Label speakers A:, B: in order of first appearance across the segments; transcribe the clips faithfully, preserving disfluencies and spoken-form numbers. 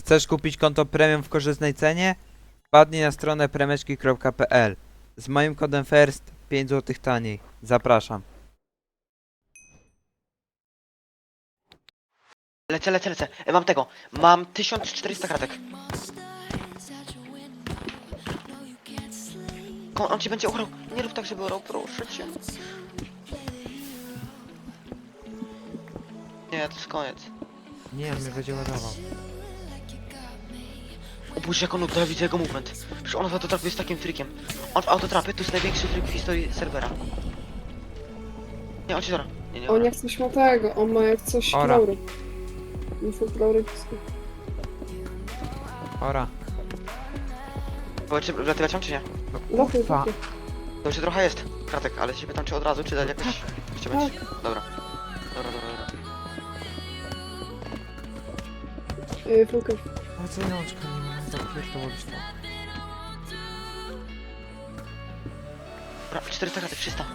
A: Chcesz kupić konto premium w korzystnej cenie? Wpadnij na stronę premeczki kropka p l. Z moim kodem FIRST pięć złotych taniej. Zapraszam.
B: Lecę, lecę, lecę. E, mam tego. Mam tysiąc czterysta kratek. Ko- On ci będzie urał. Nie rób tak, żeby urał, proszę cię. Nie, to jest koniec.
A: Nie, on mnie będzie ładował.
B: O Boże, jak on uda, widzę jego movement. Przecież on w autotrapie jest takim trikiem. On w autotrapie to jest największy trik w historii serwera. Nie, on ci zora. Nie, nie,
C: On
B: ora.
C: jak coś ma tego, on ma jak coś
A: Ora.
C: klaury. Info klaury wszystko.
A: Ora.
B: Bo czy wlatywać mam, czy nie?
A: No,
C: Lopy,
A: kurwa.
C: lopy.
B: To jeszcze trochę jest kratek, ale się pytam, czy od razu, czy dać jakoś... Jeszcze będzie. Dobra. Dobra, dobra, dobra.
C: Yy, Fulkę.
A: No co nączka, nie mam zapierdolić to.
B: Dobra, czterysta kratek, trzysta.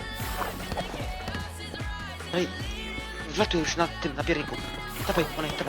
B: No i... Wlatuj już na tym, na pierniku. Dawaj, Monej, dawaj.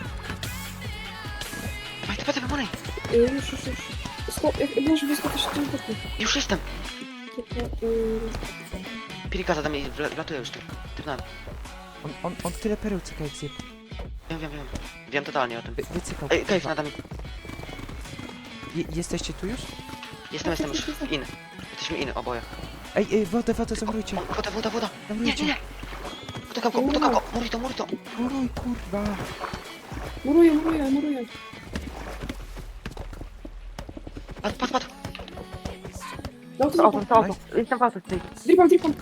B: Dawaj, dawaj, dawaj, Monej.
C: Yy, już, już, już. Sko jak możesz wyskoczyć w tym boku.
B: Już jestem.
C: Yy,
B: Piernika zada mnie i wla- wlatuję już tym. Tym na.
A: On, on, on tyle pereł cyka jak zjeb.
B: Wiem, wiem, wiem. Wiem totalnie o tym.
A: Wy, wycykał.
B: Ej, Cave
A: kurwa.
B: nada mi.
A: Je, jesteście tu już?
B: Jestem, jestem już w in. Jesteśmy in, oboje.
A: Ej, ej, wodę, wodę, zamrujcie.
B: O, woda, woda, woda. Nie, nie,
A: Zamrujcie.
B: nie. Utykam go, utykam go. Muruj to, muruj to.
A: Muruj, kurwa.
C: muruję, muruję, muruję.
B: Padł, padł, padł.
C: Dał to
B: auto, to auto. Jestem w auto, ty.
C: Dripam, dripam.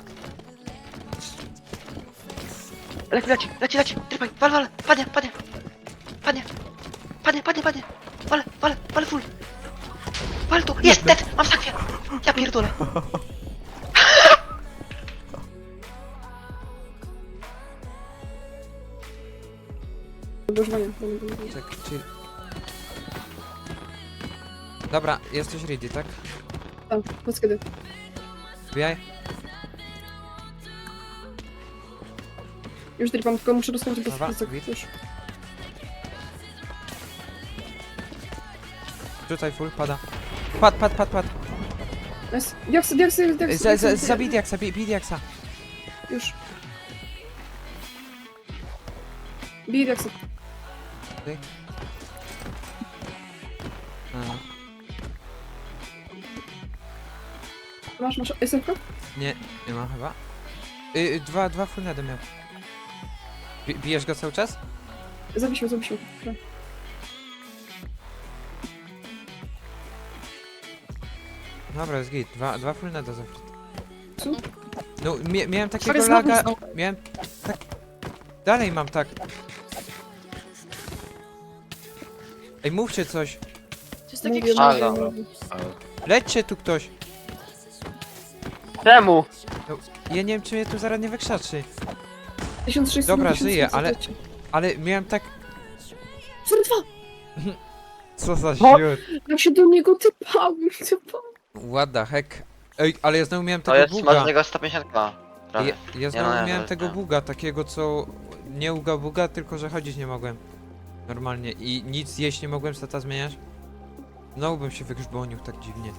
B: Leci, leci, leci, leci. Trypaj, wal, wal. Padnie, padnie. Padnie. Padnie, padnie, padnie. Wal, wal, wal full. Wal tu. Jest, dead. Mam sakwie. Ja pierdolę.
C: Do używania.
A: Czekaj, chill. Dobra, jesteś ready, tak?
C: Tak, powiedz kiedy.
A: Wbijaj.
C: Już dripam, tylko muszę dostać bez
A: Dobra,
C: plecak.
A: git.
C: Już.
A: Rzucaj full, pada. Pad, pad, pad, pad.
C: Nice. Diaksy, diaksy, diaksy.
A: Za, za,
C: diaksy.
A: zabij diaksa, bij, bij diaksa.
C: Już. Bij diaksy.
A: A,
C: Masz, masz. Jestemka?
A: nie, nie ma chyba. Y, y, dwa, dwa full nady miał. Bi- bijesz go cały czas?
C: Zabisił, zabisił. Tak.
A: Dobra, jest git. Dwa, dwa full nada zawsze.
C: Co?
A: No, mia miałem takiego
C: Sorry, znowu,
A: laga.
C: znowu.
A: Miałem tak. Dalej mam tak. Ej, mówcie coś.
D: To jest takie
C: Mówię,
D: krzak.
C: mówię, mówię.
A: Lećcie tu ktoś.
B: Czemu?
A: No, ja nie wiem, czy mnie tu zaraz nie wykrzaczy.
C: tysiąc sześćset.
A: Dobra,
C: tysiąc
A: żyję,
C: sześćset,
A: ale-
C: leci.
A: Ale miałem tak.
C: Sorry, dwa!
A: Co za
B: No.
A: siód.
C: Jak się do niego typałem, typałem.
A: What the heck. Ej, ale ja znowu miałem
B: To
A: tego
B: jest,
A: buga.
B: masz z niego sto pięćdziesiąt k.
A: Ja,
B: Prawie.
A: ja znowu
B: no nie,
A: miałem
B: to-
A: tego
B: nie.
A: buga, takiego co nie uga buga, tylko że chodzić nie mogłem. Normalnie i nic jeść nie mogłem, stata zmieniać. Znowu bym się wygrzbonił tak dziwnie.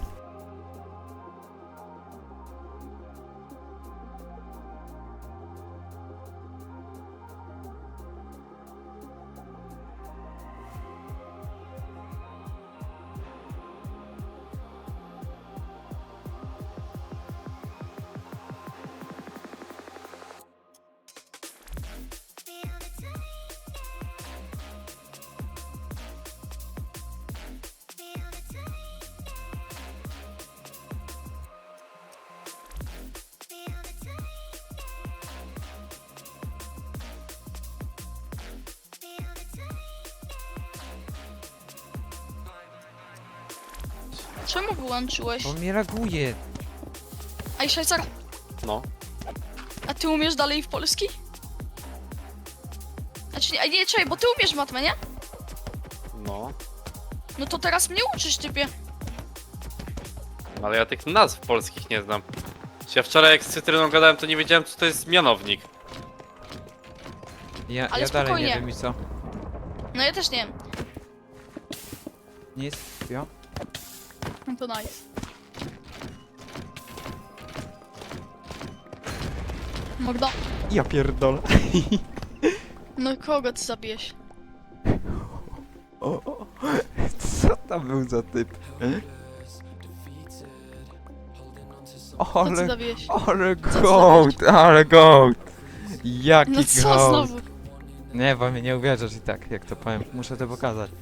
D: Czemu wyłączyłeś?
A: On mnie laguje.
D: Ej, Szajcar,
B: No.
D: a ty umiesz dalej w polski? Znaczy, nie, nie, czekaj, bo ty umiesz matmę, nie?
E: No,
D: No to teraz mnie uczysz, typie.
E: ale ja tych nazw polskich nie znam. Ja wczoraj jak z Cytryną gadałem, to nie wiedziałem, co to jest mianownik.
A: Ja,
D: Ale
A: ja dalej nie
D: spokojnie.
A: wiem i co.
D: No ja też nie wiem.
A: Nic, jo.
D: No to nice. Magda.
A: Ja pierdolę.
D: No kogo ty zabijesz?
A: O, o, co tam był za typ?
D: Co ty
A: Ale,
D: zabijesz?
A: ale
D: ty
A: gołd, ale gołd. Jaki
D: No co
A: gołd.
D: znowu?
A: Nie, bo mnie nie uwierzysz i tak, jak to powiem. Muszę to pokazać.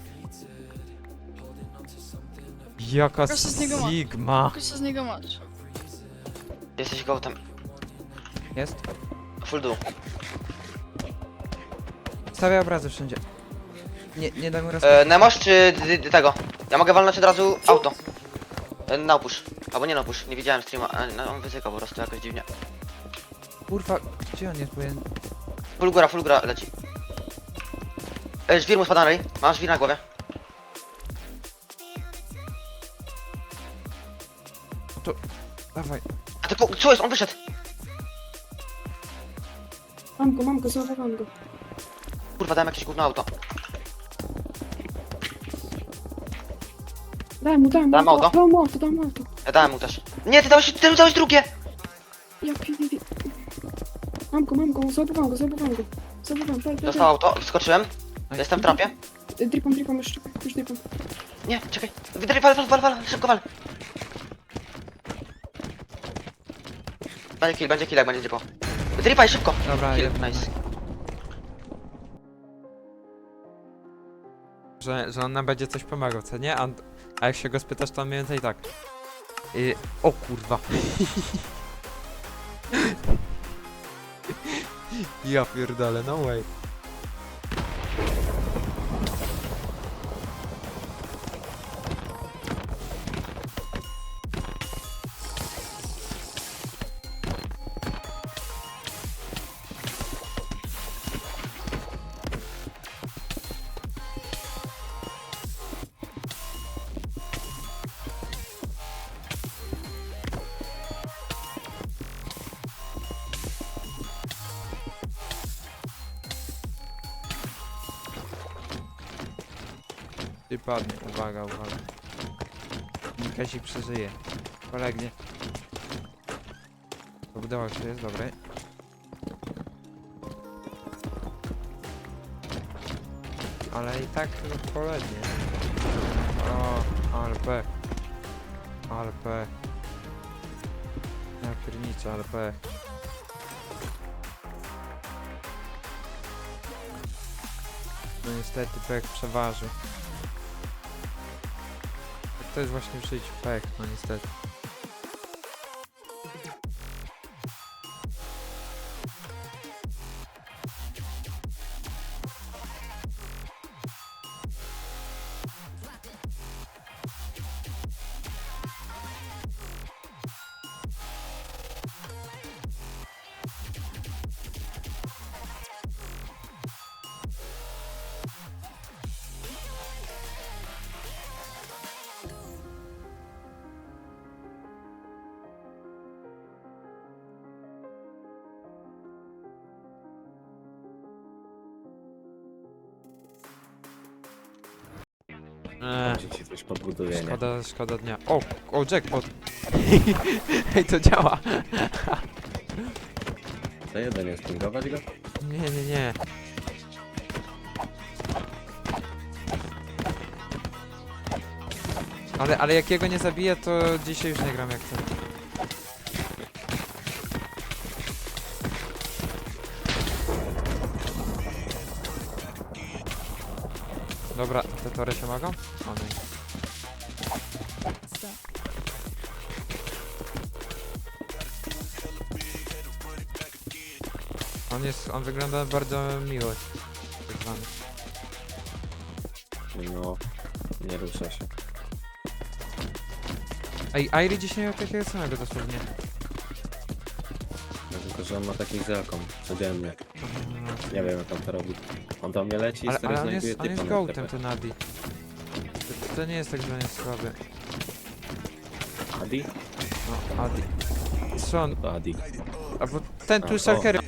A: Jaka
D: Proszę z niego ma-
A: sigma.
D: Tylko co z niego masz?
B: Jesteś gołtem.
A: Jest?
B: Full dół.
A: Stawiaj obrazy wszędzie. Nie, nie daj mu raz.
B: E, Nemosz czy d- d- tego? Ja mogę walnąć od razu auto. E, na opusz. Albo nie na opusz, nie widziałem streama. E, no, on wyzykał po prostu jakoś dziwnie.
A: Kurwa, gdzie on jest? Bo ja...
B: Full góra, full góra leci. E, żwir mu spada na ryj. Mam żwir na głowie.
A: Dawaj.
B: A ty po, co jest? On wyszedł.
C: Mam go, mam go, załapałam go.
B: Kurwa, dałem jakieś gówno auto.
C: Daj mu, daj mu,
B: Dam auto?
C: dam mu auto, dam mu auto.
B: Ja dałem mu też. Nie, ty dałeś, ty dałeś drugie!
C: Ja pierdolę. Mam go, mam go, załapałam go, załapałam go. Załapałam, daj, daj,
B: Dostał auto, wskoczyłem.
A: Aj.
B: Jestem w trapie.
C: daj. Dripam, dripam, już, już dripam.
B: Nie, czekaj. Wydry, wal, wal, wal, wal, szybko wal. Będzie kill, będzie kill, jak będzie dziepo. Dripaj szybko.
A: Dobra,
B: Kill,
A: jeden,
B: nice.
A: Że, że on nam będzie coś pomagał, co nie? A, a jak się go spytasz, to on mniej więcej tak. I... O kurwa. Ja pierdolę, no way. Ty padnie, uwaga, uwaga. Nikasi przeżyje. Polegnie. Udało się, jest dobre. Ale i tak no, polegnie. O, ale P. Ale P. Ja pierniczę, ale P. No niestety pech przeważy. To jest właśnie w życiu pech, no niestety. Eee,
F: Może ci coś podbuduje, nie?
A: szkoda, szkoda dnia. O, o jackpot! Ej, to działa!
F: To jeden jest, pingować go?
A: Nie, nie, nie. Ale, ale jak jego nie zabiję, to dzisiaj już nie gram jak chcę. Dobra, te tory się mogą? O nie. On jest, on wygląda bardzo miło. Tak zwany.
F: No, nie rusza się.
A: Ej, Airy dzisiaj miał takiego samego dosłownie.
F: No, tylko, że on ma taki zelkom codziennie. Nie wiem jak on to robi. On do mnie leci i
A: Ale,
F: stary
A: ale on
F: znajduje
A: jest, on jest
F: typa na
A: gołtem,
F: T P.
A: ten Adi. To, to nie jest tak, że on jest słaby.
F: Adi?
A: No, Adi. Co on?
F: To Adi.
A: Albo ten tu
F: A, o.
A: Shulkery.